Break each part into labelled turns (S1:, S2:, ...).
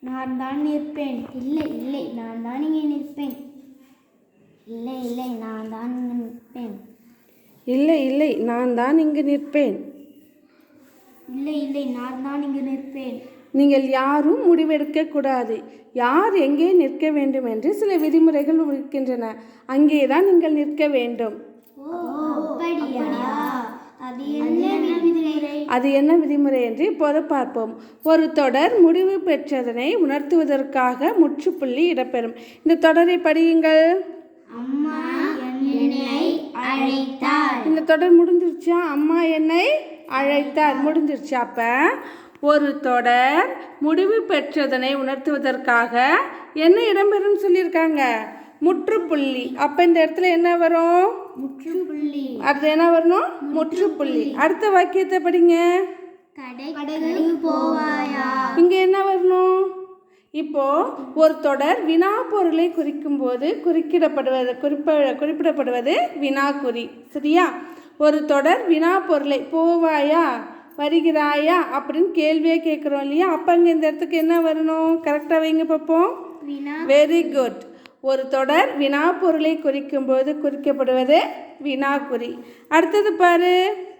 S1: நான் தான் நிற்பேன். இல்லை இல்லை நான் தான் இங்கே நிற்பேன். இல்லை இல்லை நான் தான் இங்கே நிற்பேன்.
S2: இல்லை இல்லை நான் தான் இங்கு நிற்பேன்.
S1: இல்லை இல்லை நான் தான் இங்கு நிற்பேன்.
S2: நீங்கள் யாரும் முடிவெடுக்கக்கூடாது. யார் எங்கே நிற்க வேண்டும் என்று சில விதிமுறைகள் இருக்கின்றன. அங்கே தான் நீங்கள் நிற்க வேண்டும். அது என்ன விதிமுறை என்று இப்போது பார்ப்போம். ஒரு தொடர் முடிவு பெற்றதனை உணர்த்துவதற்காக முற்றுப்புள்ளி இடம்பெறும். இந்த தொடரை படியுங்கள்.
S1: அம்மா என்னை அழைத்தார்.
S2: இந்த தொடர் முடிஞ்சிருச்சா? அம்மா என்னை அழைத்தார் முடிஞ்சிருச்சு. அப்ப ஒரு தொடர் முடிவு பெற்றதனை உணர்த்துவதற்காக என்ன இடம்பெறும் சொல்லியிருக்காங்க? முற்றுப்புள்ளி. அப்ப இந்த இடத்துல என்ன வரும்?
S1: முற்றுப்புள்ளி.
S2: அடுத்து என்ன வரணும்? முற்றுப்புள்ளி. அடுத்த வாக்கியத்தை படிங்க.
S1: கடைக்கு போவாயா?
S2: இங்க என்ன வரணும்? இப்போ ஒரு தொடர் வினா பொருளை குறிக்கும் போது குறிப்பிடப்படுவது வினாக்குறி. சரியா? ஒரு தொடர் வினா பொருளை போவாயா வருகிறாயா அப்படின்னு கேள்வியே கேட்குறோம் இல்லையா? அப்போ அங்கே இந்த இடத்துக்கு என்ன வரணும்? கரெக்டாக வைங்க பார்ப்போம். Very good. ஒரு தொடர் வினா பொருளை குறிக்கும் போது குறிக்கப்படுவது வினாக்குறி. அடுத்தது பாரு.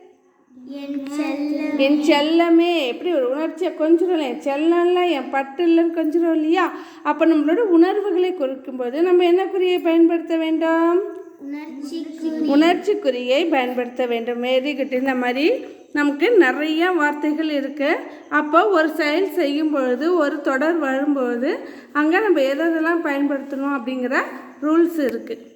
S2: என் செல்லமே. எப்படி ஒரு உணர்ச்சியை கொஞ்சிடும். என் செல்லம்ல என் பட்டு இல்லைன்னு கொஞ்சிடும் இல்லையா? அப்போ நம்மளோட உணர்வுகளை குறிக்கும்போது நம்ம என்ன குறியை பயன்படுத்த வேண்டும்? உணர்ச்சி குறியை பயன்படுத்த வேண்டும். Very good. இந்த மாதிரி நமக்கு நிறைய வார்த்தைகள் இருக்குது. அப்போ ஒரு செயல் செய்யும் பொழுது ஒரு தொடர் வரும்பொழுது அங்கே நம்ம எதெல்லாம் பயன்படுத்தணும் அப்படிங்கிற ரூல்ஸ் இருக்குது.